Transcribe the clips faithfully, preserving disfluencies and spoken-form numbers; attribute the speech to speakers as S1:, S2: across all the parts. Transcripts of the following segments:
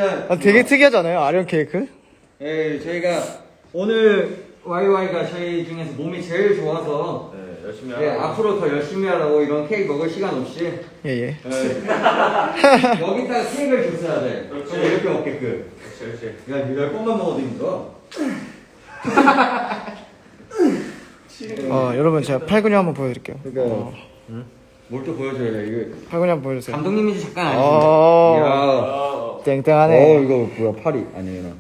S1: 일단
S2: 아, 되게 특이하잖아요, 아령 케이크?
S1: 예, 저희가 오늘 와이와이가 저희 중에서 몸이 제일 좋아서
S3: 네, 열심히
S1: 예,
S3: 하고.
S1: 앞으로 더 열심히 하라고 이런 케이크 먹을 시간 없이
S2: 예, 예.
S1: 예, 여기다가 케이크를 줬어야 돼.
S3: 그렇지.
S1: 그럼 이렇게 먹게끔.
S3: 그렇지, 그렇지.
S1: 야, 열 번만 먹어도 힘들어.
S2: 어, 여러분, 제가 팔근육 한번 보여드릴게요.
S1: 그러니까
S2: 어,
S1: 뭘 또 보여줘야 돼. 이거
S2: 팔근육 한번 보여주세요.
S1: 감독님인지 잠깐 아니지.
S2: 어.
S1: 야.
S3: 어,
S2: 땡땡하네.
S1: 어, 이거 뭐야, 팔이 아니에요.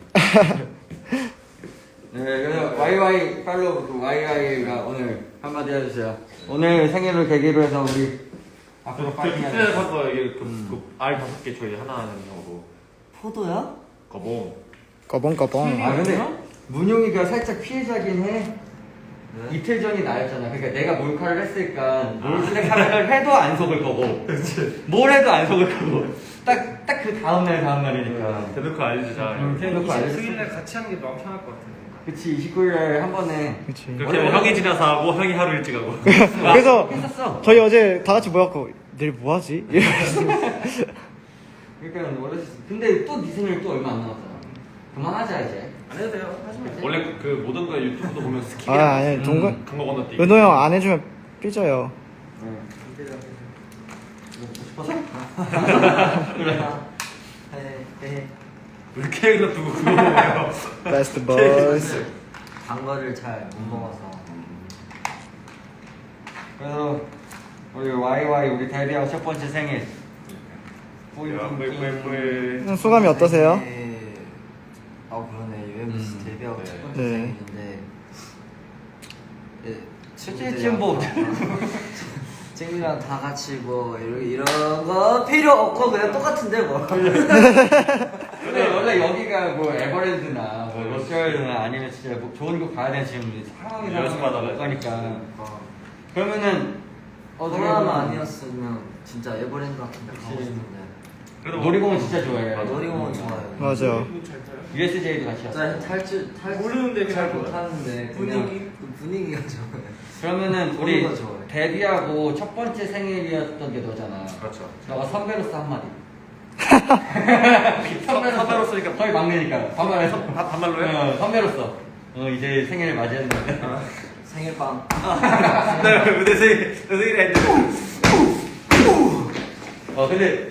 S1: 네, 그래서 와이와이 팔로우 그 와이와이가 오늘 한마디 해주세요. 오늘 생일을 계기로 해서 우리 앞으로 파이팅 하자.
S3: 피트넷 한거 이게 그, 그, 알 다섯 개 저희 하나 하는 경우로.
S4: 포도야?
S3: 거봉.
S2: 꺼봉꺼봉.
S1: 아 근데 문용이가 살짝 피해자긴 해. 이틀 전이 나였잖아. 그러니까 내가 몰카를 했으니까 몰카를 해도 안 속을 거고, 뭘 해도 안 속을 거고. 딱 딱 그 다음 날 다음 날이니까.
S3: 대놓고 알려주자.
S1: 응, 대놓고 알려줬어.
S5: 이십구 일날 같이 하는 게 마음 편할 것 같은데.
S1: 그치, 이십구 일날 한 번에.
S2: 그치.
S3: 그렇게 하면 형이 지나서 하고 형이 하루 일찍 하고.
S2: 그래서
S1: 했었어.
S2: 저희 어제 다 같이 모였고, 내일 뭐 하지?
S1: 그러니까 원래 근데 또 네 생일 또 얼마 안 남았잖아. 그만하자 이제.
S5: 안 해도 돼요. 하지 마.
S3: 원래 그, 그 모든 거 유튜브도 보면 스킵이.
S2: 아, 아니, 동근,
S3: 강거 건너뛰기.
S2: 은호 형 안 해주면 삐져요.
S1: 응. 먹고 싶어서?
S4: 그래. 네.
S3: 왜 이렇게 두고 그거 먹어요?
S2: 베스트 보이스.
S4: 단 거를 잘 못 먹어서.
S1: 그래서 우리 와이와이 우리 데뷔하고 첫 번째 생일.
S3: 야, 뿌이뿌이뿌이.
S2: 소감이 어떠세요?
S4: 네. 아 그러네. 유엠비씨
S1: 음.
S4: 데뷔하고
S3: 네.
S4: 첫 번째
S2: 네.
S4: 생일인데. 예,
S1: 솔직히 지금 뭐
S4: 친구랑 다 같이 뭐 이런 이런 거 필요 없고 그냥 똑같은데 뭐.
S1: 근데 원래 여기가 뭐 에버랜드나 뭐 로스월드나 아니면 진짜 뭐 좋은 곳 가야 되는 지금 상황이
S3: 연습하다가
S1: 못 가니까.
S4: 어.
S1: 그러면은 어떻게
S4: 코로나
S1: 보면
S4: 아니었으면 진짜 에버랜드 같은 데 가고
S1: 그치.
S4: 싶은데.
S3: 그래도
S1: 놀이공원 진짜 좋아해.
S3: 맞아.
S4: 놀이공원 좋아요.
S2: 맞아.
S5: 잘 타요.
S1: 유에스제이도 같이 왔어.
S4: 잘 탈출 탈
S5: 모르는데
S4: 잘
S5: 그냥
S4: 못하는데
S5: 분위기?
S4: 그냥 그 분위기가 좋아요.
S1: 그러면은 우리
S4: 좋은 거 좋아해.
S1: 데뷔하고 첫 번째 생일이었던 게 너잖아.
S3: 그렇죠.
S1: 너가 선배로서 한마디.
S3: 선배로서니까
S1: 거의 막내니까 반말해서.
S3: 반- 반말로요?
S1: 어, 선배로서. 어 이제 생일을 맞이했는데.
S4: 생일빵.
S3: 네, 내 생일, 내 생일에 했는데.
S1: 어 근데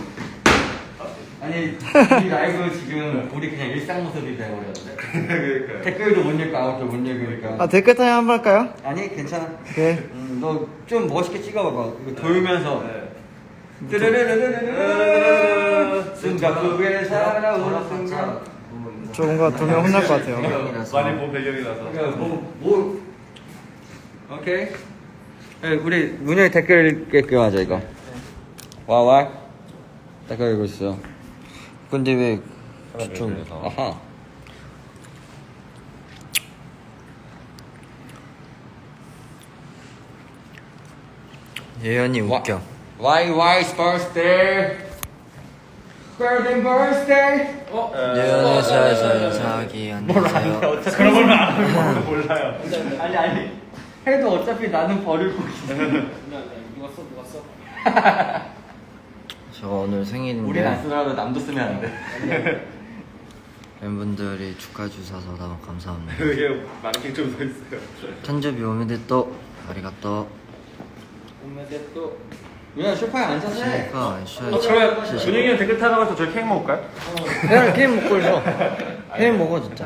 S1: 아니 이 라이브 지금 우리 그냥 일상 모습이 돼버렸는데.
S3: 그러니까요.
S1: 댓글도 못 읽고 아무것도 못 읽으니까.
S2: 아, 댓글 타임 한번 할까요?
S1: 아니 괜찮아.
S2: 오케이.
S1: 음, 너 좀 멋있게 찍어봐봐. 이거 돌면서.
S3: 네.
S1: 뜨르르르르르르 순간국에 살아오는 순간.
S2: 저 뭔가 돌면 혼날 것 같아요.
S3: 많이 본 배경이라서.
S1: 그러니까 뭐, 뭐 오케이. 네, 우리 문영이 댓글 읽기하자 이거. 와와 댓글 읽고 있어. 근데 왜 좀 아하.
S4: 예연이 웃겨.
S1: Why why's birthday? Birthday birthday.
S5: 어?
S4: 예연이 살살 인사하기 안녕하세요.
S3: 그런 걸안 하는 거 몰라요.
S1: 아니 아니 해도 어차피 나는 버릴 거기.
S5: 누가 써? 누가 써?
S4: 저 오늘
S1: 우린 안
S4: 생일인데
S1: 쓰더라도 남도 쓰면 안 돼.
S4: 팬분들이 축하해 주셔서 너무 감사합니다.
S3: 이게 마네킹 좀 서 있어요.
S4: 탄저비 오메데또 아리가또.
S5: 오메데 또.
S1: 그냥 소파에 앉아서 해.
S4: 셀카
S3: 어,
S4: 슈
S3: 그러면 준영이 형 댓글 타나가서 저희 케이크 먹을까요?
S4: 그냥 게임 먹고 있어. 게임 먹어 진짜.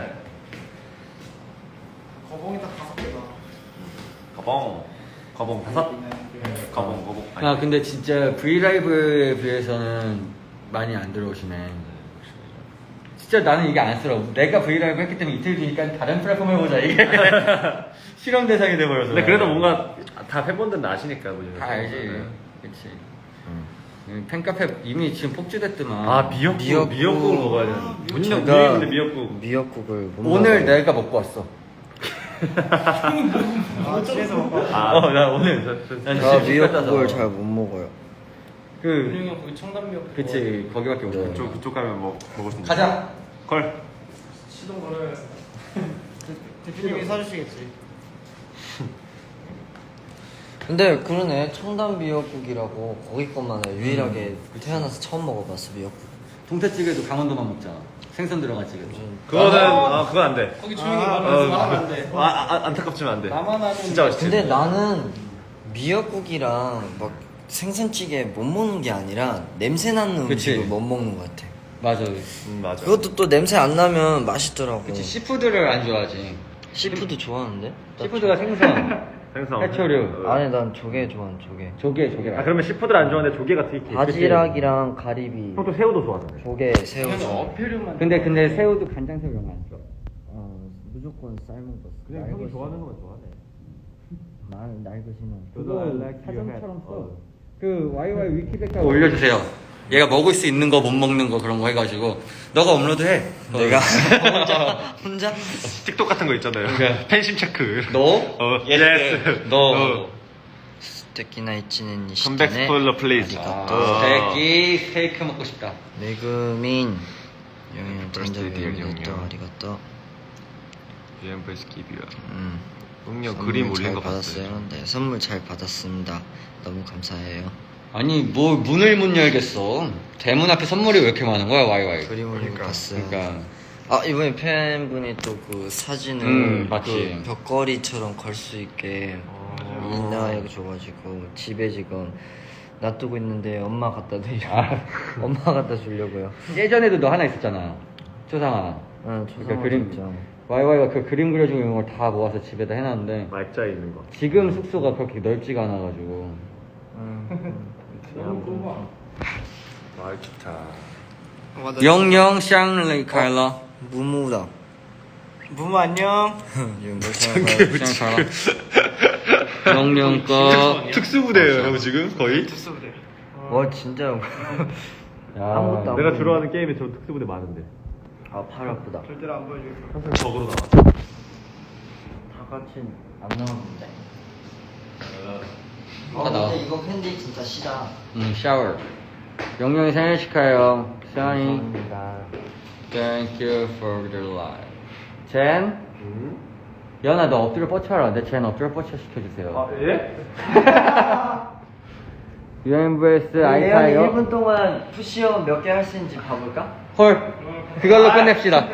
S5: 거봉이 딱 다섯 개다.
S3: 거봉. 거봉 다섯. 거봉 거봉. 아니,
S1: 아 근데 진짜 브이라이브에 비해서는 많이 안 들어오시네. 진짜 나는 이게 안쓰러워. 내가 브이라이브 했기 때문에 이틀 뒤니까 다른 플랫폼 해보자 이게 실험 대상이 돼버려서.
S3: 근데 그래도 뭔가 다 팬분들은 아시니까 뭐.
S1: 다 알지. 그치. 음, 팬카페 이미 지금 폭주됐더만.
S3: 아 미역국
S4: 미역국.
S3: 미역국을 먹어야 되는. 문영
S4: 제가
S3: 문영인데 미역국.
S4: 미역국을 못
S1: 오늘
S4: 먹어요.
S1: 내가 먹고 왔어.
S2: 아, 집에서 먹고.
S3: 아,
S1: 어, 나 오늘 난
S4: 저
S1: 진짜
S4: 미역국을
S1: 잘
S4: 잘 못 먹어요.
S1: 그
S5: 윤영이 형 거기 청담역.
S1: 그치 거기밖에 못 먹어.
S3: 그쪽 그쪽 가면 뭐 먹을 수 있는.
S1: 가자.
S3: 걸.
S5: 시동 걸어야 돼.
S2: 대표님이 사주시겠지.
S4: 근데 그러네 청담 미역국이라고 거기 것만 해. 유일하게 태어나서 처음 먹어봤어 미역국.
S1: 동태찌개도 강원도만 먹잖아. 생선 들어간 찌개.
S3: 그거는 아 그건 안 돼.
S5: 거기 조용히
S3: 어,
S5: 말하면서 말하면 안 돼.
S3: 아, 아, 안타깝지만 안 돼.
S5: 나만 아는.
S3: 진짜 맛있지.
S4: 근데 나는 미역국이랑 막 생선찌개 못 먹는 게 아니라 냄새 나는
S1: 그치.
S4: 음식을 못 먹는 것 같아.
S1: 맞아.
S3: 음 맞아.
S4: 그것도 또 냄새 안 나면 맛있더라고.
S1: 그치, 시푸드를 안 좋아하지.
S4: 시푸드 좋아하는데?
S1: 시푸드가 생선,
S3: 생선.
S1: 해초류.
S3: 어.
S4: 아니 난 조개 좋아하는 조개.
S1: 조개, 조개.
S3: 아 그러면 시푸드를 안 좋아하는데 조개가 특히.
S4: 바지락이랑 가리비.
S3: 형또 새우도 좋아하잖아.
S4: 조개, 새우.
S5: 그냥
S4: 좋아.
S5: 어패류만.
S1: 근데 근데 새우도 간장새우 이런 거 안 좋아.
S4: 어, 무조건 삶은 거.
S3: 그냥 형이
S4: 날것이.
S3: 좋아하는 거만 좋아하네.
S4: 날 날것이는.
S1: 그거
S3: I like your hat.
S1: 사전처럼 써.
S3: 어.
S1: 그 와이와이 위키백과 올려주세요. 얘가 먹을 수 있는 거 못 먹는 거 그런 거 해가지고 너가 업로드해.
S4: 내가 혼자 혼자
S3: 틱톡 같은 거 있잖아요.
S1: 그러니까.
S3: 팬심 체크.
S1: 너?
S3: 어, 예스.
S1: 너.
S4: 스테키나 이치는
S3: 컴백 스포일러 플리즈.
S1: 아, 스테이키 스테이크 먹고 싶다.
S4: 매그민 영현
S3: Birthday, dear
S4: 단장님도
S3: 영영.
S4: 아리가또.
S3: 유엠브에스 기비야.
S4: 음.
S3: 응용
S4: 선물
S3: 그림 올린
S4: 잘
S3: 거
S4: 받았어요.
S3: 봤어요.
S4: 네, 선물 잘 받았습니다. 너무 감사해요.
S1: 아니 뭐 문을 못 열겠어. 대문 앞에 선물이 왜 이렇게 많은 거야 와이와이.
S4: 그림 올린 거 봤어요.
S1: 그러니까
S4: 아 이번에 팬분이 또 그 사진을
S1: 음, 맞지.
S4: 그 벽걸이처럼 걸 수 있게
S3: 어.
S4: 인나하게 줘가지고 집에 지금 놔두고 있는데 엄마 갖다 드려.
S1: 아.
S4: 엄마 갖다 주려고요.
S1: 예전에도 너 하나 있었잖아. 초상화.
S4: 응,
S1: 그러니까
S4: 초상화
S1: 그림
S4: 진짜.
S1: 와이와이가 그 그림 그려주고 이런 걸 다 모아서 집에다 해놨는데
S3: 말자에 있는 거.
S1: 지금 숙소가 그렇게 넓지가 않아가지고
S4: 응.
S3: 말 좋다.
S1: 영영 샹레이 카일러
S4: 무무다.
S2: 무무 안녕.
S1: 샹카라 영영 거
S3: 특수부대예요, 형 지금 거의.
S2: 특수부대.
S4: 와 진짜.
S1: 야,
S4: 아무것도 안
S3: 내가
S4: 보이네.
S3: 들어가는 게임에 저 특수부대 많은데.
S4: 아 팔 아프다.
S2: 절대로 안 보여주겠어.
S3: 항상 적으로 나와.
S4: 다 같이 안 나왔는데. 아
S1: 다 나와.
S4: 근데 이거 캔디 진짜 시다.
S1: 음 샤워 영영이 생일 축하해요 시안이
S4: 감사합니다.
S1: Thank you for the life 젠
S3: 음?
S1: 연아 너 엎드려 뻗쳐라 내 젠 엎드려 뻗쳐 시켜주세요
S3: 예?
S1: 유엠브에스
S4: 예언이 일
S1: 아이타이어
S4: 분 동안 푸시업 몇 개 할 수 있는지 봐볼까?
S1: 헐 그걸로 끝냅시다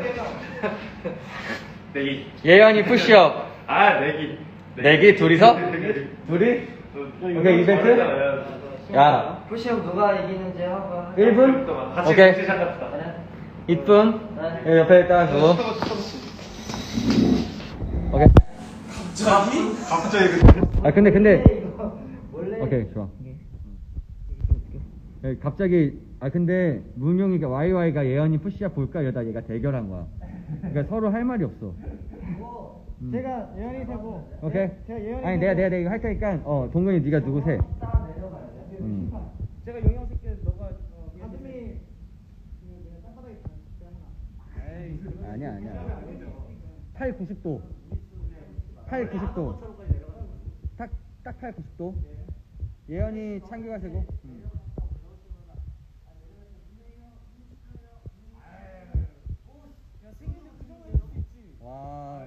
S3: 내기.
S1: 예언이 푸시업
S3: 아 내기.
S1: 내기 둘이서? 둘이? 오케이 이벤트? 야
S4: 푸시업 누가 이기는지 하고.
S1: 일 분?
S3: 같이
S1: 오케이
S3: 시작합시다.
S1: 이 분 여기 옆에 딱 두고 오케이
S3: 갑자기 그.
S1: 아 근데 근데
S4: 원래
S1: 오케이 좋아 예, 갑자기 아 근데 문용이가 와이와이가 예언이 푸시업 볼까 이러다 얘가 대결한 거야 그러니까 서로 할 말이 없어 음.
S2: 제가 예언이 세고.
S1: 오케이
S2: 제가 예언이
S1: 아니 내가 내가 내가 이거 할 테니까 어 동근이 네가 누구 세 음.
S2: 제가 영영 새끼 너가 어, 가슴이 그 땅바닥에 있잖아. 하나.
S1: 아니야 아니야 팔 구십 도 팔 구십 도 딱딱 팔 구십 도 예언이 창규가 세고 음. 와.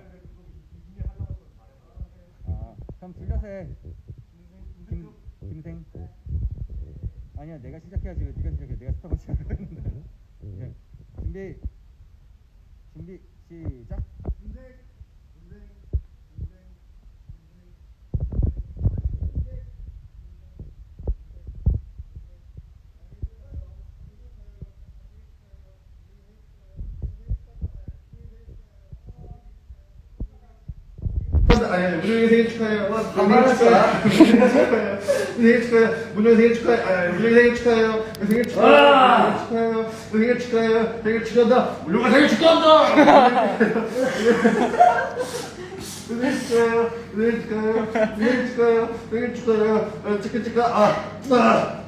S1: 아, 그럼 둘러서 해. 김, 김생. 아니야, 내가 시작해야지. 왜 네가 시작해? 내가 스타벅스 시작했는데. 오케이. 준비. 준비. 시작.
S6: 아니, 문영이 생일 축하해요. 문영이 생일 축하해요. 생일 축하해요. 문영이 생일 축하해요. 아니, 문영이 생일 축하해요. 생일 축하해요. 생일 축하해요. 생일 축하해요. 생일 축하한다. 문영아 생일 축하한다. 생일 축하해요. 생일 축하해요. 생일 축하해요. 생일 축하해요. 어, 축하 축하. 아, 아.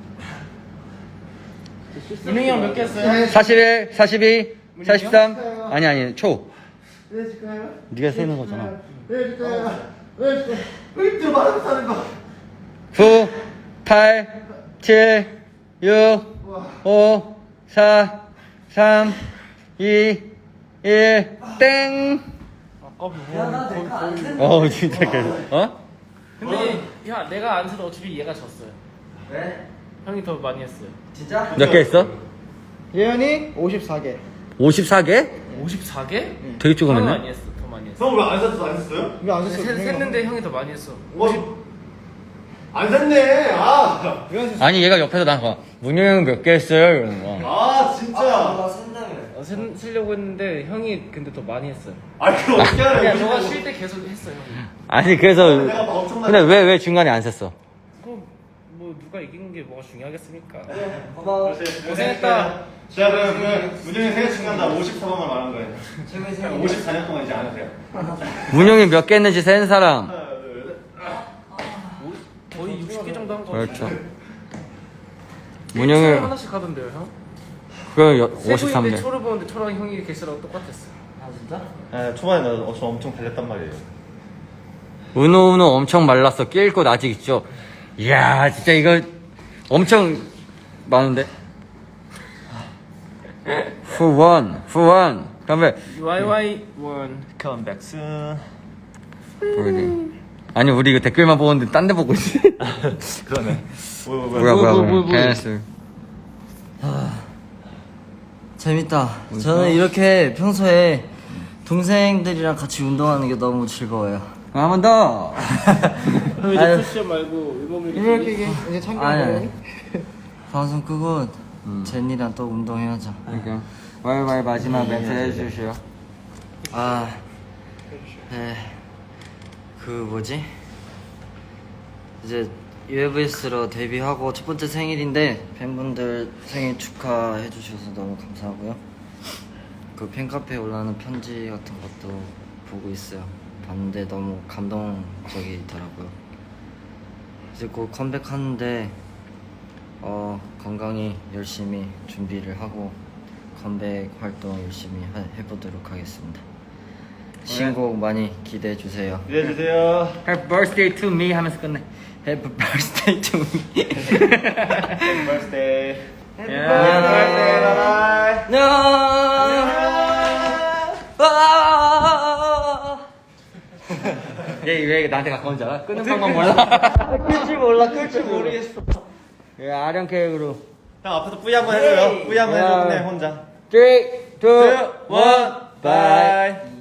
S5: 민웅이 형 몇 개 했어요?
S1: 사십일, 사십이, 사십삼. 아니, 아니, 초.
S6: 생일 축하해요.
S1: 네가 세는 거잖아.
S6: 생일 축하해요. 생일 축하해요. 으이, 저 말하면서 하는 거.
S1: 구, 팔, 칠, 육, 오, 사, 삼, 이, 일, 땡.
S4: 야나 내가 안 된다.
S1: 어, 진짜 그, 어?
S5: 근데 야 내가 안 세도 어차피 얘가 졌어요.
S4: 왜?
S5: 형이 더 많이 했어요.
S4: 진짜?
S1: 몇 개 했어?
S2: 예현이 오십사 개.
S1: 오십사 개?
S5: 오십사 개?
S1: 되게
S5: 형이
S1: 조금했네.
S5: 많이 했어. 더 많이 했어.
S3: 형 왜 안 샀어? 안 샀어요?
S2: 이거 안 셌어.
S5: 세- 셌는데 형이 더 많이 했어.
S3: 어? 안 샀네. 아,
S1: 아니 얘가 옆에서 난 거. 문영이 형 몇 개 했어요? 이러는 거.
S3: 아 진짜.
S4: 나 쓴다며.
S5: 어, 세, 쓰려고 했는데 형이 근데 더 많이 했어요.
S3: 아 그럼 어떻게 하래?
S5: 그냥 너가 쉴 때 계속 했어 형이.
S1: 아니 그래서
S3: 내가 막 엄청나게.
S1: 근데 왜 왜 중간에 안 셌어?
S5: 그럼 뭐 누가 이기는 게 뭐가 중요하겠습니까?
S4: 고마워.
S5: 고생했다.
S3: 제가 그럼 그 문영이 생일 축하한다 오십사 번만 말한 거예요.
S4: 최고의 생일.
S3: 오십사 년 동안 이제 안 하세요?
S1: 문영이 몇 개 했는지 센 사람.
S3: 하나, 둘, 셋.
S5: 거의 육십 개 정도 한 거.
S1: 그렇죠.
S5: 일주일에
S1: 문영이
S5: 하나씩 하던데요 형?
S1: 그 오십삼
S5: 세부인데
S1: 개.
S5: 초를 보는데 초랑 형이 개수랑 똑같았어.
S4: 아 진짜?
S3: 네, 초반에 나 어, 저 엄청 달렸단 말이에요.
S1: 은호 은호 엄청 말랐어. 낄 곳 아직 있죠. 이야 진짜 이거 엄청 많은데. 후원 후원 다음에
S5: 와이와이 원.
S3: Come back soon.
S1: 우리 아니 우리 이거 댓글만 보는데 딴 데 보고 있어.
S3: 그러네. 뭐야 뭐야
S1: 뭐야 뭐야
S5: 뭐,
S1: 뭐야.
S5: 뭐, 뭐.
S1: 캔슬.
S4: 재밌다. 저는 이렇게 평소에 동생들이랑 같이 운동하는 게 너무 즐거워요.
S1: 한 번 더.
S5: 형 이제
S4: 아유.
S5: 푸시업 말고 일본
S2: 이렇게
S5: 밀기.
S2: 이게 이제 참견.
S4: 아니 아니. 방송 끄고 제니랑 또 운동해야죠.
S1: 그러니까 와이와이 마지막 멘트 해주시오.
S4: 아, 네. 그 뭐지? 이제 유에브이에스로 데뷔하고 첫 번째 생일인데 팬분들 생일 축하해 주셔서 너무 감사하고요. 그 팬카페에 올라오는 편지 같은 것도 보고 있어요. 봤는데 너무 감동적이더라고요. 이제 곧 컴백하는데 어, 건강히 열심히 준비를 하고 컴백 활동 열심히 하- 해보도록 하겠습니다. 신곡 많이 기대해 주세요.
S3: 기대해 주세요.
S1: Happy birthday to me 하면서 끝내.
S4: Happy birthday to me.
S3: Happy birthday.
S1: Happy
S3: birthday, bye.
S1: 얘왜 나한테 가까운 줄 알아? 끄는 방법 몰라?
S4: 끌지 몰라, 끌지 모르겠어.
S1: 예, 아령 케이크로.
S3: 형 앞에서 뿌이 한번 해줘요. 뿌이 한번 해줘 그냥 혼자.
S1: three, two,
S3: one,
S1: bye.